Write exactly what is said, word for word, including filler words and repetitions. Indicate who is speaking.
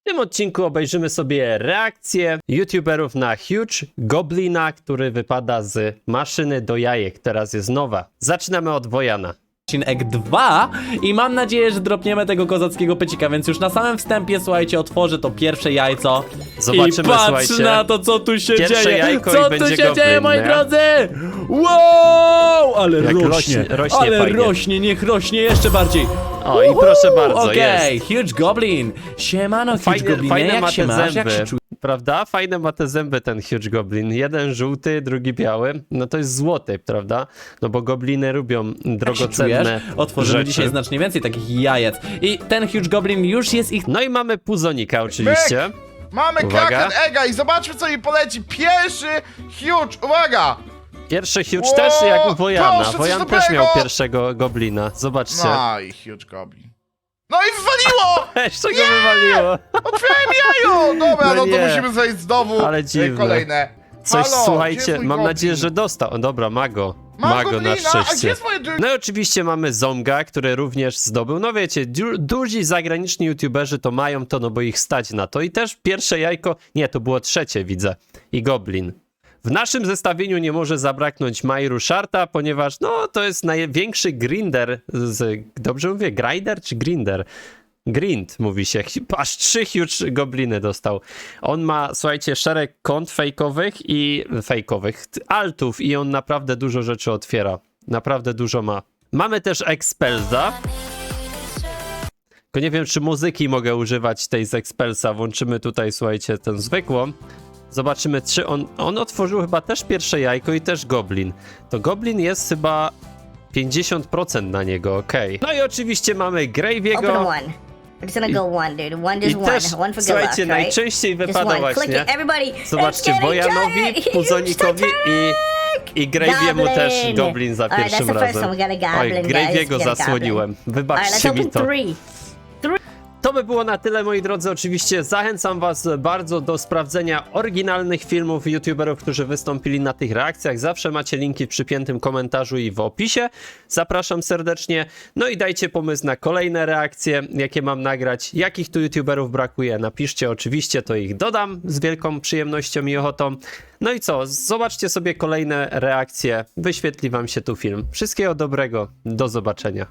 Speaker 1: W tym odcinku obejrzymy sobie reakcję youtuberów na Huge Goblina, który wypada z maszyny do jajek. Teraz jest nowa. Zaczynamy od Wojana.
Speaker 2: Odcinek dwa i mam nadzieję, że dropniemy tego kozackiego pycika, więc już na samym wstępie, słuchajcie, otworzę to pierwsze jajco.
Speaker 1: Zobaczymy,
Speaker 2: I patrz
Speaker 1: słuchajcie.
Speaker 2: na to, co tu się
Speaker 1: Pierwsze
Speaker 2: dzieje.
Speaker 1: jajko
Speaker 2: Co
Speaker 1: i
Speaker 2: tu
Speaker 1: będzie
Speaker 2: się
Speaker 1: goblin,
Speaker 2: dzieje, moi
Speaker 1: nie?
Speaker 2: drodzy? Wow! Ale
Speaker 1: Jak
Speaker 2: rośnie,
Speaker 1: rośnie- rośnie
Speaker 2: ale
Speaker 1: fajnie.
Speaker 2: rośnie, niech rośnie jeszcze bardziej.
Speaker 1: O, i proszę bardzo,
Speaker 2: Okej,
Speaker 1: jest.
Speaker 2: Huge Goblin. Siemano, Huge
Speaker 1: Fajne,
Speaker 2: Goblinie,
Speaker 1: fajne
Speaker 2: jak
Speaker 1: ma
Speaker 2: się
Speaker 1: te
Speaker 2: masz, jak się
Speaker 1: zęby,
Speaker 2: czujesz?
Speaker 1: prawda? Fajne ma te zęby ten Huge Goblin. Jeden żółty, drugi biały. No to jest złoty, prawda? No bo gobliny lubią
Speaker 2: Jak się
Speaker 1: drogocenne
Speaker 2: czujesz? Otworzymy
Speaker 1: rzeczy.
Speaker 2: dzisiaj znacznie więcej takich jajec. I ten Huge Goblin już jest ich...
Speaker 1: No i mamy puzonika oczywiście.
Speaker 3: Mamy
Speaker 1: Uwaga.
Speaker 3: Kraken Egga i zobaczmy, co mi poleci. Pierwszy Huge, uwaga!
Speaker 1: Pierwszy Huge
Speaker 3: Wow,
Speaker 1: też jak u Wojana.
Speaker 3: proszę, coś
Speaker 1: Wojan
Speaker 3: dobrego.
Speaker 1: też miał pierwszego goblina. Zobaczcie.
Speaker 3: No i Huge Goblin. No i wywaliło!
Speaker 1: Jeszcze go wywaliło.
Speaker 3: Otwierałem jajo! Dobra,
Speaker 1: No
Speaker 3: no,
Speaker 1: nie.
Speaker 3: to musimy zejść znowu.
Speaker 1: Ale
Speaker 3: e,
Speaker 1: dziwne.
Speaker 3: Kolejne.
Speaker 1: Coś,
Speaker 3: Halo, gdzie
Speaker 1: słuchajcie,
Speaker 3: jest mój
Speaker 1: mam
Speaker 3: goblin?
Speaker 1: nadzieję, że dostał. O, dobra, mago.
Speaker 3: Mam
Speaker 1: Mago
Speaker 3: goblina,
Speaker 1: na
Speaker 3: a gdzie
Speaker 1: szczęście.
Speaker 3: jest moje drugie?
Speaker 1: No i oczywiście mamy Zonga, który również zdobył. No wiecie, du duzi zagraniczni youtuberzy to mają to, no bo ich stać na to. I też pierwsze jajko, nie, to było trzecie, widzę. I Goblin. W naszym zestawieniu nie może zabraknąć Majru Sharta, ponieważ no to jest największy grinder z... Dobrze mówię? Grinder czy grinder? Grind mówi się. Aż trzy huge gobliny dostał. On ma, słuchajcie, szereg kont fejkowych i fejkowych, altów i on naprawdę dużo rzeczy otwiera. Naprawdę dużo ma. Mamy też Expelsa. Tylko nie wiem, czy muzyki mogę używać tej z Expelsa. Włączymy tutaj, słuchajcie, tę zwykłą. Zobaczymy, czy on... On otworzył chyba też pierwsze jajko i też goblin. To goblin jest chyba pięćdziesiąt procent na niego, okej. Okay. No i oczywiście mamy
Speaker 4: Open
Speaker 1: Graviego.
Speaker 4: one. We're just gonna go one, dude. One,
Speaker 1: I
Speaker 4: just
Speaker 1: też,
Speaker 4: one. One for good
Speaker 1: słuchajcie,
Speaker 4: luck, right?
Speaker 1: najczęściej
Speaker 4: Just
Speaker 1: wypada
Speaker 4: one. Click
Speaker 1: właśnie...
Speaker 4: it, everybody.
Speaker 1: Zobaczcie,
Speaker 4: It's getting
Speaker 1: Wojanowi,
Speaker 4: giant.
Speaker 1: Puzonikowi i, i Graviemu też
Speaker 4: Goblin.
Speaker 1: goblin za
Speaker 4: Alright,
Speaker 1: pierwszym
Speaker 4: that's the first
Speaker 1: razem.
Speaker 4: one. We got a
Speaker 1: Oj,
Speaker 4: goblin,
Speaker 1: Graviego
Speaker 4: guys. We got a
Speaker 1: zasłoniłem.
Speaker 4: Alright, let's
Speaker 1: Wybaczcie mi
Speaker 4: open
Speaker 1: to.
Speaker 4: three.
Speaker 1: To by było na tyle, moi drodzy. Oczywiście zachęcam was bardzo do sprawdzenia oryginalnych filmów youtuberów, którzy wystąpili na tych reakcjach. Zawsze macie linki w przypiętym komentarzu i w opisie. Zapraszam serdecznie. No i dajcie pomysł na kolejne reakcje, jakie mam nagrać. Jakich tu youtuberów brakuje, napiszcie oczywiście, to ich dodam z wielką przyjemnością i ochotą. No i co, zobaczcie sobie kolejne reakcje. Wyświetli wam się tu film. Wszystkiego dobrego, do zobaczenia.